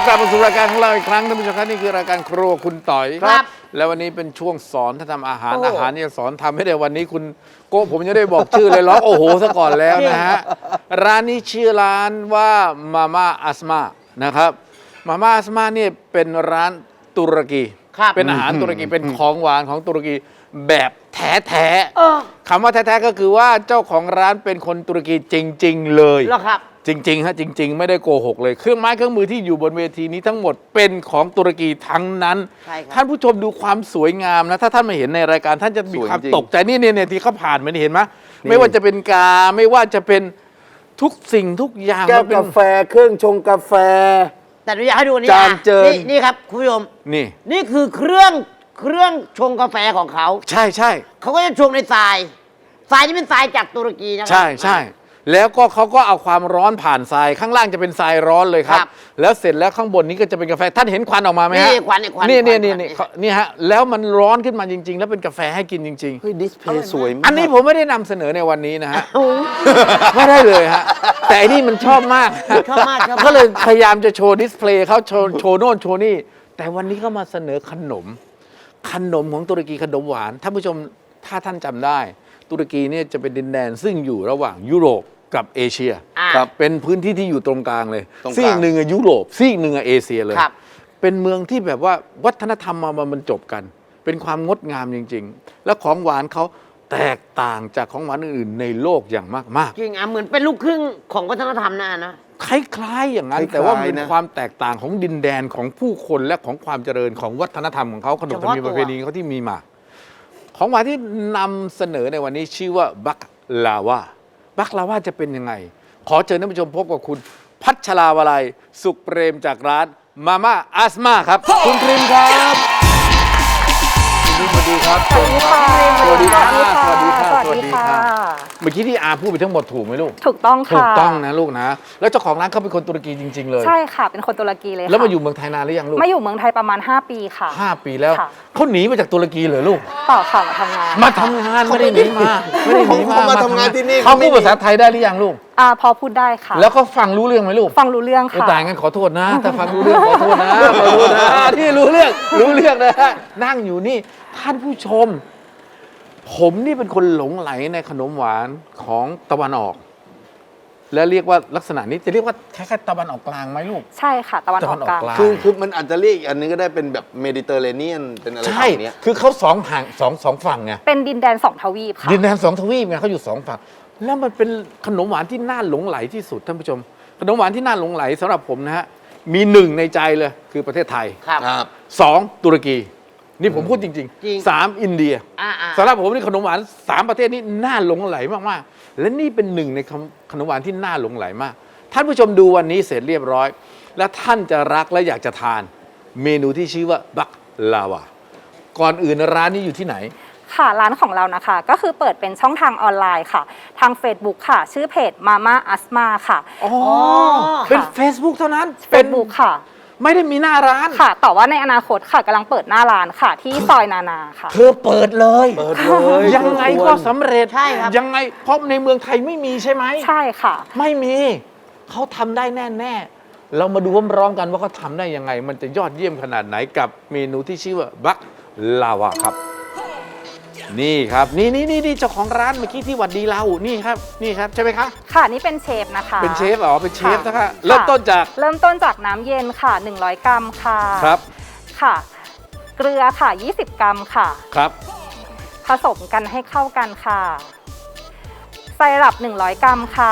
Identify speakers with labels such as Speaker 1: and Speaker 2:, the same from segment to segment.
Speaker 1: กลับมาสู่รายการของเราอีกครั้งท่านผู้ชมครับนี่คือรายการครัวคุณต่อย
Speaker 2: ครับ
Speaker 1: แล้ววันนี้เป็นช่วงสอนถ้าทำอาหารอาหารเนี่ยสอนทำให้ได้วันนี้คุณโก้ผมยังได้บอกชื่อเลยร้องโอ้โหซะก่อนแล้วนะฮะร้านนี้ชื่อร้านว่ามาม่าอัสมานะครับมาม่าอัสมาเนี่ยเป็นร้านตุรกี
Speaker 2: ครับ
Speaker 1: เป็นอาหารตุรกีเป็นของหวานของตุรกีแบบแท้ๆคำว่าแท้ๆก็คือว่าเจ้าของร้านเป็นคนตุรกีจริง ๆ เลย
Speaker 2: เหรอครับ
Speaker 1: จริงๆฮะจริง ๆ ไม่ได้โกหกเลยเครื่องไม้เครื่องมือที่อยู่บนเวทีนี้ทั้งหมดเป็นของตุรกีทั้งนั้น
Speaker 2: ใช่ครับ
Speaker 1: ท่านผู้ชมดูความสวยงามนะถ้าท่านมาเห็นในรายการท่านจะมีความ
Speaker 3: สวยจริง
Speaker 1: ตกใจนี่ที่เขาผ่านมานี่เห็นไหมไม่ว่าจะเป็นกาไม่ว่าจะเป็นทุกสิ่งทุกอย่าง
Speaker 3: แก้ว
Speaker 1: มันเป็น
Speaker 3: กาแฟเครื่องชงกาแฟ
Speaker 2: แต่หนูอยากให้ดูอันนี้
Speaker 3: จานเจิญ
Speaker 2: นี่ครับคุณผู้ชม
Speaker 1: นี่
Speaker 2: นี่คือเครื่องชงกาแฟของเขา
Speaker 1: ใช่
Speaker 2: เขาก็จะชงในทรายนี่เป็นทรายจากตุรกีนะครั
Speaker 1: ใช่แล้วก็เขาก็เอาความร้อนผ่านทรายข้างล่างจะเป็นทรายร้อนเลยครับ
Speaker 2: ครับ
Speaker 1: แล้วเสร็จแล้วข้างบนนี้ก็จะเป็นกาแฟท่านเห็นควันออกมาไหมฮะ
Speaker 2: นี่ควันนี่ควัน
Speaker 1: นี่
Speaker 2: ควัน
Speaker 1: นี่ฮะแล้วมันร้อนขึ้นมาจริง ๆ แล้วเป็นกาแฟให้กินจริง ๆ
Speaker 3: เฮ้ยดิสเพลย์สวยมาก
Speaker 1: อันนี้ผมไม่ได้นำเสนอในวันนี้นะฮะ ไม่ได้เลยฮะ แต่อันนี้มันชอบมาก
Speaker 2: ชอบมากชอบมาก
Speaker 1: ก็เลยพยายามจะโชว์ดิสเพลย์เขาโชว์โน่นโชว์นี่ แต่วันนี้ก็มาเสนอขนมของตุรกีขนมหวานท่านผู้ชมถ้าท่านจำได้ ตุรกีเนี่ยจะเป็นดินแดนซึ่งอยู่ระหว่างยุโรปกับเอเชีย
Speaker 2: อ่า
Speaker 1: ครับเป็นพื้นที่ที่อยู่ตรงกลางเลย
Speaker 3: ตรงกลาง
Speaker 1: ซีกหนึ่งอะยุโรปซีกหนึ่งอะเอเชียเลย
Speaker 2: ครับ
Speaker 1: เป็นเมืองที่แบบว่าวัฒนธรรมมาบรรจบกัน เป็นความงดงามจริง ๆ แล้วของหวานเขาแตกต่างจากของหวานอื่นๆในโลกอย่างมาก
Speaker 2: จริงอ่ะเหมือนเป็นลูกครึ่งของวัฒนธรรมนะ
Speaker 1: ๆ คล้ายๆอย่างนั้น
Speaker 3: คล้ายๆ
Speaker 1: แต่ว่ามันเป็น
Speaker 3: นะ
Speaker 1: ความแตกต่างของดินแดนของผู้คนและของความเจริญของวัฒนธรรมของเขาขนบธรรมเนียมประเพณีเขาที่มีมา ของหวานที่นำเสนอในวันนี้ชื่อว่าบักลาวาจะเป็นยังไง ขอเชิญท่านผู้ชมพบกับคุณพัชราวลัยสุขเปรมจากร้านมาม่าอัสมาครับ คุณพริมครับสวัสดีครับ
Speaker 4: สวัสดีค่ะ
Speaker 1: สวัสดีครับสวัสดีครับ
Speaker 4: สวัสดีค่ะ
Speaker 1: เมื่อกี้ที่อาพูดไปทั้งหมดถูกไหมลูก
Speaker 4: ถูกต้องค่ะ
Speaker 1: ถูกต้องนะลูกนะ แล้วเจ้าของร้านเขาเป็นคนตุรกีจริง ๆ เลย
Speaker 4: ใช่ค่ะ เป็นคนตุรกีเลยค่ะ
Speaker 1: แล้วมาอยู่เมืองไทยนานหรือยังลูก
Speaker 4: มาอยู่เมืองไทยประมาณ 5 ปีค่ะ
Speaker 1: 5 ปีแล้ว
Speaker 4: ค่ะ
Speaker 1: เขาหนีมาจากตุรกีเหรอลูก
Speaker 4: ต่อค่ะมาทำงาน
Speaker 1: มาทำงานไม่ได้หนีมาไม่ได้หนีมา
Speaker 3: เขามาทำงานที่นี่
Speaker 1: เขาพูดภาษาไทยได้หรือยังลูก
Speaker 4: พอพูดได้ค่ะ
Speaker 1: แล้วก็ฟังรู้เรื่องไหมลูก
Speaker 4: ฟังรู้เรื่องค่ะ
Speaker 1: แต่งั้นขอโทษนะ ถ้าฟังรู้เรื่องขอโทษนะขอโทษนะที่รู้เรื่องนะฮะนั่งอยู่นี่ท่านผู้ชม ผมนี่เป็นคนหลงไหลในขนมหวานของตะวันออก และเรียกว่าลักษณะนี้จะเรียกว่าคล้ายๆตะวันออกกลางไหมลูก
Speaker 4: ใช่ค่ะ ตะวันออกกลาง
Speaker 1: ตะวันออกกลาง
Speaker 3: คือมันอาจจะเรียกอีกอันนึงก็ได้เป็นแบบเมดิเตอร์เรเนียนเป็นอะไร
Speaker 1: ใช่
Speaker 3: แบบเนี้ย
Speaker 1: คือเขาสองฝั่งไง
Speaker 4: เป็นดินแดน2 ทวีปค่ะ
Speaker 1: ดินแดน2 ทวีปไงเขาอยู่2 ฝั่งแล้วมันเป็นขนมหวานที่น่าหลงไหลที่สุดท่านผู้ชม ขนมหวานที่น่าหลงไหลสำหรับผมนะฮะมี1ในใจเลยคือประเทศไทย
Speaker 2: ครับ
Speaker 3: ครับ
Speaker 1: 2 ตุรกี นี่ผมพูดจริง
Speaker 2: จริง
Speaker 1: 3 อินเดีย สำหรับผมนี่ขนมหวาน3 ประเทศนี้น่าหลงไหลมากๆ และนี่เป็น1ในขนมหวานที่น่าหลงไหลมาก ท่านผู้ชมดูวันนี้เสร็จเรียบร้อย และท่านจะรักและอยากจะทานเมนูที่ชื่อว่าบักลาวาก่อนอื่นร้านนี้อยู่ที่ไหน
Speaker 4: ค่ะร้านของเรานะคะ ก็คือเปิดเป็นช่องทางออนไลน์ค่ะ ทาง Facebook ค่ะ ชื่อเพจ Mama Asma ค่ะ
Speaker 1: อ๋อ เป็น Facebook เท่านั้น
Speaker 4: Facebook ค่ะ
Speaker 1: ไม่ได้มีหน้าร้าน
Speaker 4: ค่ะ แต่ว่าในอนาคตค่ะกำลังเปิดหน้าร้านค่ะ ที่ซอยนานาค่ะ
Speaker 1: เธอเปิดเลย
Speaker 3: เปิดเลย
Speaker 1: ยังไงก็สำเร็จ
Speaker 2: ใช่ครับ
Speaker 1: ยังไงเพราะในเมืองไทยไม่มีใช่ไหม
Speaker 4: ใช่ค่ะ
Speaker 1: ไม่มี เขาทำได้แน่ๆ เรามาดูพร้อมๆกันว่าเขาทำได้ยังไง มันจะยอดเยี่ยมขนาดไหนกับเมนูที่ชื่อว่าบักลาวาครับ นี่ครับ นี่เจ้าของร้านเมื่อกี้ที่หวัดดีเรานี่ครับใช่ไหมคะ
Speaker 4: ค่ะนี่เป็นเชฟนะคะ
Speaker 1: เป็นเชฟเหรอเป็นเชฟ
Speaker 4: ค่ะ
Speaker 1: นะคะเริ่มต้นจาก
Speaker 4: เริ่มต้นจากน้ำเย็นค่ะ 100 กรัมค่ะ
Speaker 1: ครับ
Speaker 4: ค่ะ เกลือค่ะ 20 กรัมค่ะ
Speaker 1: ครับ
Speaker 4: ผสมกันให้เข้ากันค่ะไซรัป100 กรัมค่ะ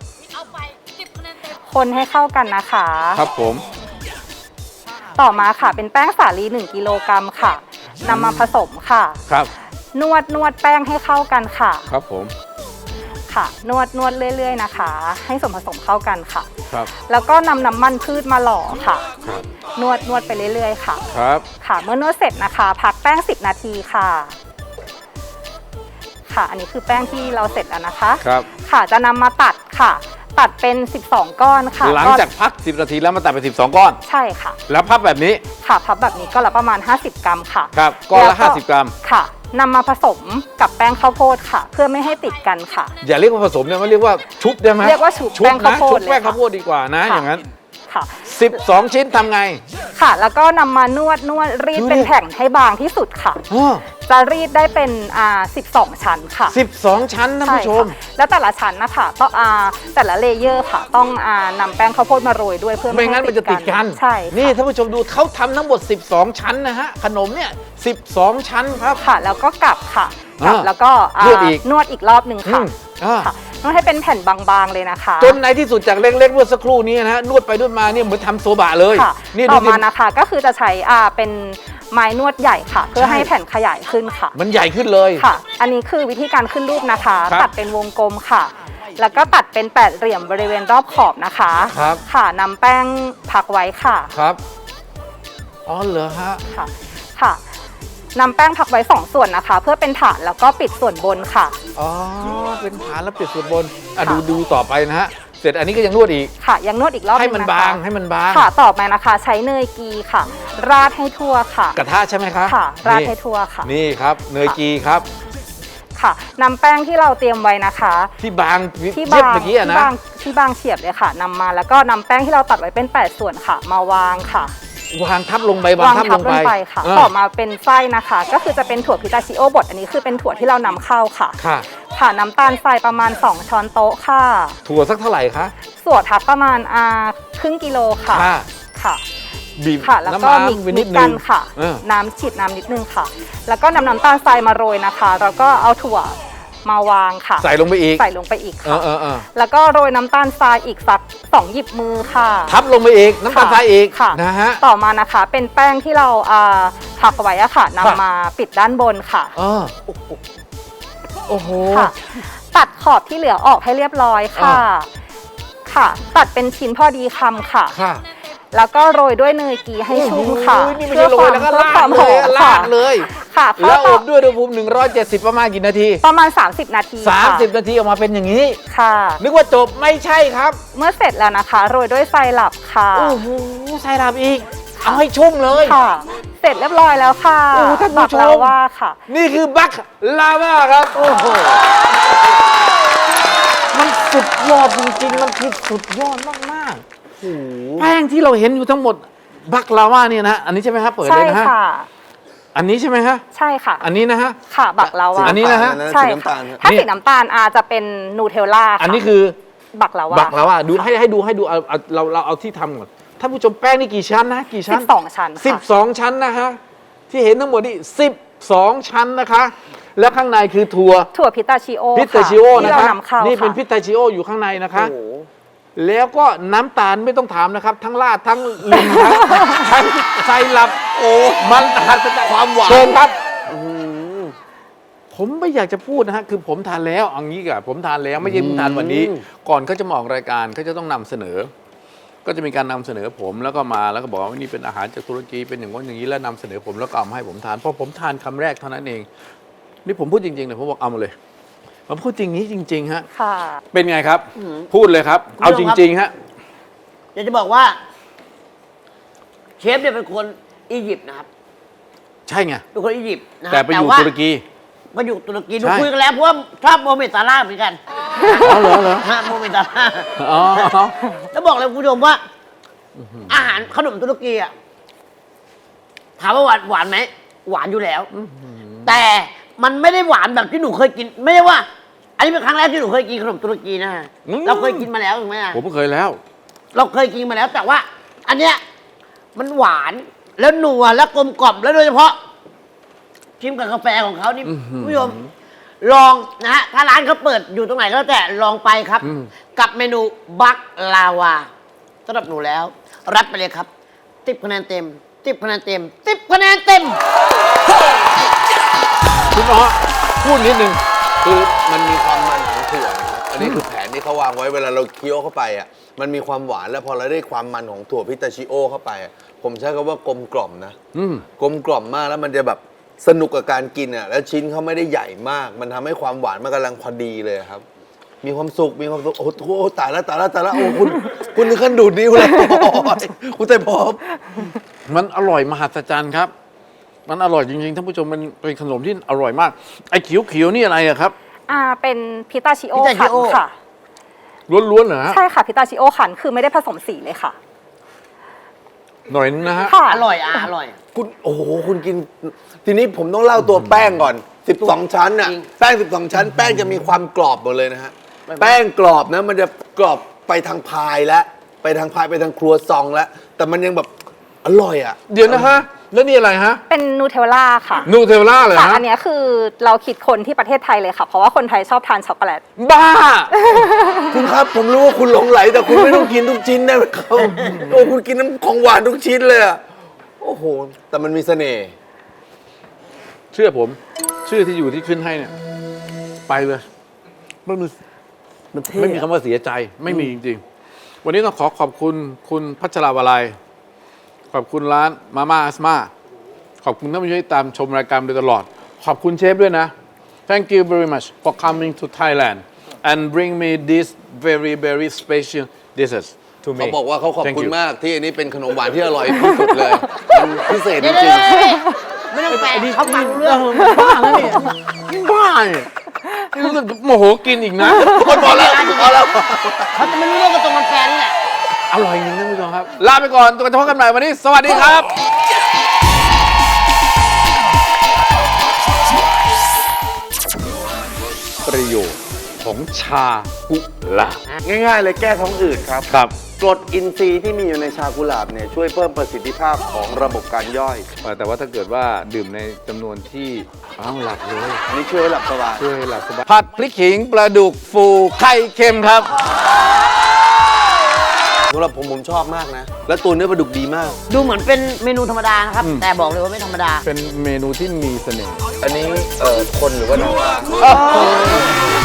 Speaker 4: คนให้เข้ากันนะคะ
Speaker 1: ครับผม
Speaker 4: ต่อมาค่ะเป็นแป้งสาลี1 กิโลกรัมค่ะนำมาผสมค่ะ
Speaker 1: ครับ
Speaker 4: นวดแป้งให้เข้ากันค่ะ
Speaker 1: ครับผม
Speaker 4: ค่ะ นวดเรื่อยๆนะคะ ให้ส่วนผสมเข้ากันค่ะ
Speaker 1: ครับ
Speaker 4: แล้วก็นำน้ำมันพืชมาหล่อค่ะ
Speaker 1: ครับ
Speaker 4: นวดไปเรื่อยๆค่ะ
Speaker 1: ครับ
Speaker 4: ค่ะเมื่อนวดเสร็จนะคะ พักแป้ง10 นาทีค่ะ ค่ะ อันนี้คือแป้งที่เราเสร็จแล้วนะคะ
Speaker 1: ครับ
Speaker 4: ค่ะจะนำมาตัดค่ะ ตัดเป็น 12 ก้อนค่ะ
Speaker 1: หลังจากพัก 10 นาทีแล้วมาตัดเป็น12 ก้อน
Speaker 4: ใช่ค่ะ
Speaker 1: แล้วพับแบบนี้
Speaker 4: ค่ะพับแบบนี้ก็ละประมาณ 50 กรัมค่ะ
Speaker 1: ครับก้อนละ
Speaker 4: แล้ว
Speaker 1: 50 กรัม
Speaker 4: ค่ะนำมาผสมกับแป้งข้าวโพดค่ะ เพื่อไม่ให้ติดกันค่ะ
Speaker 1: อย่าเรียกว่าผสมเนี่ยมันเรียกว่าชุบได้ไหม
Speaker 4: เรียกว่าชุบแป้งข้าวโพด
Speaker 1: ชุบแป้ง
Speaker 4: เลยค่ะ
Speaker 1: ข้าวโพดดีกว่านะ
Speaker 4: ค่ะ
Speaker 1: อย่างนั้น
Speaker 4: ค่ะ
Speaker 1: 12 ชิ้นทำไง
Speaker 4: ค่ะ แล้วก็นำมานวดรีดเป็นแผ่นให้บางที่สุดค่ะ
Speaker 1: อ้อ
Speaker 4: จะรีดได้เป็น12 ชั้นค่ะ
Speaker 1: 12 ชั้นท่านผู้ชม
Speaker 4: ใค่ะแล้วแต่ละชั้นนะคะต้องแต่ละเลเยอร์ค่ะ ต้องนำแป้งข้าวโพดมาโรยด้วยเพื่อ
Speaker 1: ไม่งั้นมันจะติดกัน
Speaker 4: ใช่ค่ะ
Speaker 1: นี่ท่านผู้ชมดูเขาทำทั้งหมด 12 ชั้นนะฮะ ขนมเนี่ย 12 ชั้นครับ
Speaker 4: ค่ะ แล้วก็กลับค่ะกลับ แล้วก็
Speaker 1: นวดอีก
Speaker 4: นวดอีกรอบหนึ่งค่ะ ค่ะนวดให้เป็นแผ่นบางๆเลยนะคะ
Speaker 1: จนในที่สุดจากเล็กๆเมื่อสักครู่นี้นะฮะนวดไปนวดมาเนี่ยเหมือนทำโซบะเลย
Speaker 4: ค่ะ
Speaker 1: นี่
Speaker 4: ต่
Speaker 1: ดู
Speaker 4: อ
Speaker 1: สิ
Speaker 4: มานะคะก็คือจะใช้เป็นไม้นวดใหญ่ค่ะ เพื่อให้แผ่นขยายขึ้นค่ะ
Speaker 1: มันใหญ่ขึ้นเลย
Speaker 4: ค่ะ อันนี้คือวิธีการขึ้นรูปนะคะ
Speaker 1: ครับ
Speaker 4: ตัดเป็นวงกลมค่ะ แล้วก็ตัดเป็นแปดเหลี่ยมบริเวณรอบขอบนะคะ
Speaker 1: ครับ
Speaker 4: ค่ะนำแป้งพักไว้ค่ะ
Speaker 1: ครับ อ๋อเหรอฮะ
Speaker 4: ค่ะ ค่ะนำแป้งพักไว้2ส่วนนะคะ เพื่อเป็นฐานแล้วก็ปิดส่วนบนค่ะ
Speaker 1: อ๋อ เป็นฐานแล้วปิดส่วนบน
Speaker 4: ค่ะ
Speaker 1: ดูต่อไปนะฮะ เสร็จอันนี้ก็ยังนวดอีก
Speaker 4: ค่ะ ยังนวดอีกรอบ
Speaker 1: ให้มัน
Speaker 4: งะคะ
Speaker 1: บางให้มันบาง
Speaker 4: ค่ะ ต่อไปนะคะ ใช้เนยกีค่ะ ราดให้ทั่วค่ะ
Speaker 1: กระทะใช่ไหมคะ
Speaker 4: ค่ะ ราด
Speaker 1: นี่
Speaker 4: ให้ทั่วค่ะ
Speaker 1: นี่ครับ เนยกีครับ
Speaker 4: ค่ะนำแป้งที่เราเตรียมไว้นะคะ
Speaker 1: ที่บาง
Speaker 4: ที่
Speaker 1: เทียบบ
Speaker 4: าง
Speaker 1: เมื่อกี้อะนะ
Speaker 4: ที่บางเฉียบเลยค่ะนำมาแล้วก็นำแป้งที่เราตัดไว้เป็น8ส่วนค่ะ มาวางค่ะ
Speaker 1: วางทับลงไปวางทับลงไป
Speaker 4: ค่ะ
Speaker 1: เออ
Speaker 4: ต่อมาเป็นไส้นะคะ ก็คือจะเป็นถั่วพิตาชิโอบดอันนี้คือเป็นถั่วที่เรานำเข้าค่ะ
Speaker 1: ค่ะ
Speaker 4: ค่ะน้ำตาลทรายประมาณ2ช้อนโต๊ะค่ะ
Speaker 1: ถั่วสักเท่าไหร่คะ
Speaker 4: ส่วนทับประมาณครึ่งกิโลค่ะ
Speaker 1: ค่ะ
Speaker 4: ค่ะ
Speaker 1: บีบ
Speaker 4: ค่ะ แล้วก็
Speaker 1: น้ำ
Speaker 4: มิก
Speaker 1: ไปนิดนึ
Speaker 4: กั
Speaker 1: ง
Speaker 4: นค่ะ
Speaker 1: เออ
Speaker 4: น้ำฉีดน้ำนิดนึงค่ะ แล้วก็นำน้ำตาลทรายมาโรยนะคะ แล้วก็เอาถั่วมาวางค่ะ
Speaker 1: ใส่ลงไปอีก
Speaker 4: ใส่ลงไปอีก
Speaker 1: เอ
Speaker 4: ค่ะ
Speaker 1: อ
Speaker 4: แล้วก็โรยน้ำตาลทรายอีกสัก2หยิบมือค่ะ
Speaker 1: ทับลงไปอีก น้ำตาลทรายอีก
Speaker 4: ค่ะ
Speaker 1: นะฮะ
Speaker 4: ต่อมานะคะเป็นแป้งที่เราพักไว้อะค่ะนำมาปิดด้านบนค่ะ
Speaker 1: เออโอ้โห
Speaker 4: ค่ะ ตัดขอบที่เหลือออกให้เรียบร้อยค่ะ ค่ะ ตัดเป็นชิ้นพอดีคำค่ะ
Speaker 1: ค่ะ
Speaker 4: แล้วก็โรยด้วยเนยกีให้ชุ่มค่ะ
Speaker 1: โอ้โหนี่ไม่ใช่โรยแล้วก็
Speaker 4: เพื่อ
Speaker 1: ลา
Speaker 4: ควา
Speaker 1: ด
Speaker 4: ม
Speaker 1: เล
Speaker 4: หอย ม
Speaker 1: ลา
Speaker 4: ค่ะ
Speaker 1: ดเลย
Speaker 4: ค่ะ
Speaker 1: แล้วอ
Speaker 4: ก็
Speaker 1: บด้วยอุณหภูมิ170 ประมาณกี่นาที
Speaker 4: ประมาณ30 นาทีค่ะ
Speaker 1: 30 นาทีออกมาเป็นอย่างนี้
Speaker 4: ค่ะ
Speaker 1: นึกว่าจบไม่ใช่ครับ
Speaker 4: เมื่อเสร็จแล้วนะคะ โรยด้วยไซรัปค่ะ
Speaker 1: โอ้โหใส่ลาบอีก เอาให้ชุ่มเลย
Speaker 4: ค่ะ เสร็จเรียบร้อยแล้วค่ะ
Speaker 1: โอ้ท่านผู้ชม
Speaker 4: บักลว่าค่ะ
Speaker 1: นี่คือบัคลาว่าครับ โอ้โห มันสุดยอดจริงๆ มันคือสุดยอดมากๆแป้งที่เราเห็นอยู่ทั้งหมดบัคลาว่าเนี่ยนะ อันนี้ใช่ไหมครับ เปิดเล
Speaker 4: ใช่
Speaker 1: ยนะฮะ
Speaker 4: ค่ะ
Speaker 1: อันนี้ใช่ไหมฮะ
Speaker 4: ใช่ค่ะ
Speaker 1: อันนี้นะฮะ
Speaker 4: ค่ะบักลาว่า
Speaker 1: อันนี้นะฮะ
Speaker 4: ใช่
Speaker 3: สีน้ำ
Speaker 4: ค่ะ
Speaker 3: ตาลครับ
Speaker 4: ถ้าสีน้ำตาลจะเป็นนูเทลล่าค่ะ
Speaker 1: อันนี้คือ
Speaker 4: บักลาว่า
Speaker 1: บักลาว่าดูให้ดูเอาเราเอาที่ทำก่อนท่านผู้ชมแป้งนี่กี่ชั้นนะกี่ชั้น
Speaker 4: 12 ชั้นค่ะ
Speaker 1: 12 ชั้นนะฮะที่เห็นทั้งหมดนี่12 ชั้นนะคะ แล้วข้างในคือถั่ว
Speaker 4: ถั่วพิตาชิโอ
Speaker 1: พิตาชิโอ
Speaker 4: ที่
Speaker 1: นะ
Speaker 4: เรา
Speaker 1: คะ
Speaker 4: นำเข้า
Speaker 1: นี่เป็น
Speaker 4: ค่ะ
Speaker 1: พิตาชิโออยู่ข้างในนะคะ
Speaker 3: โอ้โห
Speaker 1: แล้วก็น้ำตาลไม่ต้องถามนะครับ ทั้งราดทั้งลินทั้งไซรัปโอ้มันหัศจรรย์
Speaker 3: ความหวาน
Speaker 1: เชิญครับผมไม่อยากจะพูดนะฮะคือผมทานแล้วเอางี้กับผมทานแล้วไม่ใช่เพิ่งทานวันนี้ ก่อนเขาจะมาออกรายการเขาจะต้องนำเสนอ ก็จะมีการนำเสนอผมแล้วก็มาแล้วก็บอกว่านี่เป็นอาหารจากตุรกีเป็นอย่างนั้นอย่างนี้แล้วนำเสนอผมแล้วก็เอามาให้ผมทานพอผมทานคำแรกเท่านั้นเองนี่ผมพูดจริงๆเลยผมบอกเอามาเลยผมพูดจริงนี้จริงๆฮะ
Speaker 4: ค่ะ
Speaker 1: เป็นไงครับ พูดเลยครับ เอาจริงๆฮะ
Speaker 2: อยากจะบอกว่า เชฟเนี่ยเป็นคนอียิปต์นะครับ
Speaker 1: ใช่ไง
Speaker 2: เป็นคนอียิปต์นะฮะ
Speaker 1: แต่ไปอยู่
Speaker 2: ว่า
Speaker 1: ตุรกี
Speaker 2: มาอยู่ตุรกีดู
Speaker 1: ใช่
Speaker 2: คุยกันแล้วเพราะว่าชอบโมฮัมเหม็ดซาร่าห์เหมือนกัน
Speaker 1: อ๋อเหรอ
Speaker 2: ฮะโมฮัมเหม็ดซาร่าห์
Speaker 1: อ๋อ
Speaker 2: แล้วบอกเลยคุณผู้ชมว่า อาหารขนมตุรกีอ่ะถามว่าหวานไหมหวานอยู่แล้ว แต่มันไม่ได้หวานแบบที่หนูเคยกิน ไม่ใช่ว่า อันนี้เป็นครั้งแรกที่หนูเคยกินขนมตุรกีนะฮะเราเคยกินมาแล้วถูกไหมอะ
Speaker 1: ผมเคยแล้ว
Speaker 2: เราเคยกินมาแล้ว แต่ว่า อันเนี้ยมันหวานแล้วนัวแล้วกลมกล่อมแล้วโดยเฉพาะชิมกับกาแฟของเขานี่คุณผู้ชมลองนะฮะถ้าร้านเขาเปิดอยู่ตรงไหนก็แล้วแต่ลองไปครับ กับเมนูบักลาวาสำหรับหนูแล้ว รับไปเลยครับ10 คะแนนเต็ม10 คะแนนเต็ม10 คะแนนเต็ม
Speaker 1: คุณอ๋อพูดนิดนึง
Speaker 3: คือมันมีความมันของถั่วนะครับอันนี้คือแผนที่เขาวางไว้เวลาเราเคี้ยวเข้าไปอ่ะมันมีความหวานแล้วพอเราได้ความมันของถั่วพิตาชิโอเข้าไปอะผมใช้คำว่ากลมกล่อมนะ กลมกล่อมมากแล้วมันจะแบบสนุกกับการกินอ่ะแล้วชิ้นเขาไม่ได้ใหญ่มาก มันทำให้ความหวานมันกำลังพอดีเลยครับ มีความสุขโอ้โหตายแล้วโอ้คุณถึงขั้นดูดนิ้วเลยโอ้ยคุณแต่พร้อม
Speaker 1: มันอร่อยมหัศจรรย์ครับ มันอร่อยจริงๆท่านผู้ชมมันเป็นขนมที่อร่อยมาก ไอ้เขียวๆนี่อะไรอะครับ
Speaker 4: เป็นพิตาชิโอ
Speaker 2: พิตาชิ
Speaker 4: ขัน
Speaker 2: โอ
Speaker 4: ค่ะ
Speaker 1: ล้วนๆเหรอฮะ
Speaker 4: ใช่ค่ะพิตาชิโอขันคือไม่ได้ผสมสีเลยค่ะ
Speaker 1: หน่อยนึงนะฮะ
Speaker 4: ค่ะ
Speaker 2: อร่อยอร่อย
Speaker 3: คุณโอ้โหคุณกิน ทีนี้ผมต้องเล่าตัวแป้งก่อน 12 ชั้นน่ะ
Speaker 2: จริง
Speaker 3: แป้ง 12 ชั้น แป้งจะมีความกรอบหมดเลยนะฮะ แป้งกรอบนะมันจะกรอบไปทางพายแล้วไปทางพายไปทางครัวซองแล้วแต่มันยังแบบอร่อยอ่ะ
Speaker 1: เดี๋ยวนะฮะ แล้วนี่อะไรฮะ
Speaker 4: เป็นนูเทลล่าค่ะ
Speaker 1: นูเทลล่าเลย
Speaker 4: ค่ะ
Speaker 1: ฮะ
Speaker 4: อันเนี้ยคือเราคิดคนที่ประเทศไทยเลยค่ะ เพราะว่าคนไทยชอบทานช็อกโกแลต
Speaker 1: บ้า
Speaker 3: คุณครับผมรู้ว่าคุณหลงไหลแต่คุณไม่ต้องกินทุกชิ้นได้ไหมครับโอ้คุณกินน้ำของหวานทุกชิ้นเลยอะโอ้โหแต่มันมีเสน่ห์
Speaker 1: เชื่อผม ชื่อที่อยู่ที่ขึ้นให้เนี่ย ไปเลยไม่มี
Speaker 3: มันเท่
Speaker 1: ไม่มีคำว่าเสียใจ ไม่มีจริงๆ วันนี้ต้องขอบคุณคุณพัชราวลัย ขอบคุณร้านมาม่าอัสมาขอบคุณท่านผู้ชมที่ตามชมรายการโดยตลอด ขอบคุณเชฟด้วยนะ Thank you very much for coming to Thailand and bring me this very very special dishes to me
Speaker 3: เขาบอกว่าเขาขอบ
Speaker 1: Thank
Speaker 3: คุณ
Speaker 1: you
Speaker 3: มากที่อันนี้เป็นขนมหวานที่อร่อยที่สุดเลยมันพิเศษจ
Speaker 2: เดี๋ยว
Speaker 3: ริง
Speaker 2: ไม่ต้องแปลเขาฟังรู้เรื่อง
Speaker 1: บ้าแล้วเนี่ยบ้าเนี่ยนี่รู้สึกโมโหกินอีกนะ
Speaker 3: ๆคนพอแล้วพอแล้ว
Speaker 2: เขาจะไม่รู้เรื่องกับตรงมันแฟนนี่แหละ
Speaker 1: อร่อยจริงท่านผู้ชมครับ ลาไปก่อนตัวกันพบกันใหม่วันนี้ สวัสดีครับ ประโยชน์ของชากุหลาบ
Speaker 3: ง่ายๆเลยแก้ท้องอืดครับ
Speaker 1: ครับ
Speaker 3: กรดอินทรีย์ที่มีอยู่ในชากุหลาบเนี่ยช่วยเพิ่มประสิทธิภาพของระบบการย่อย
Speaker 1: แต่ว่าถ้าเกิดว่าดื่มในจำนวนที่หลับเลย
Speaker 3: อันนี้ช่วยให้หลับสบาย
Speaker 1: ช่วยให้หลับสบายผัดพริกขิงปลาดุกฟูไข่เค็มครับ
Speaker 3: สำหรับผมชอบมากนะ และตัวเนื้อปลาดุกดีมาก
Speaker 2: ดูเหมือนเป็นเมนูธรรมดานะครับ แต่บอกเลยว่าไม่ธรรมดา
Speaker 1: เป็นเมนูที่มีเสน่ห์
Speaker 3: อันนี้คนหรือว่าน้องปลา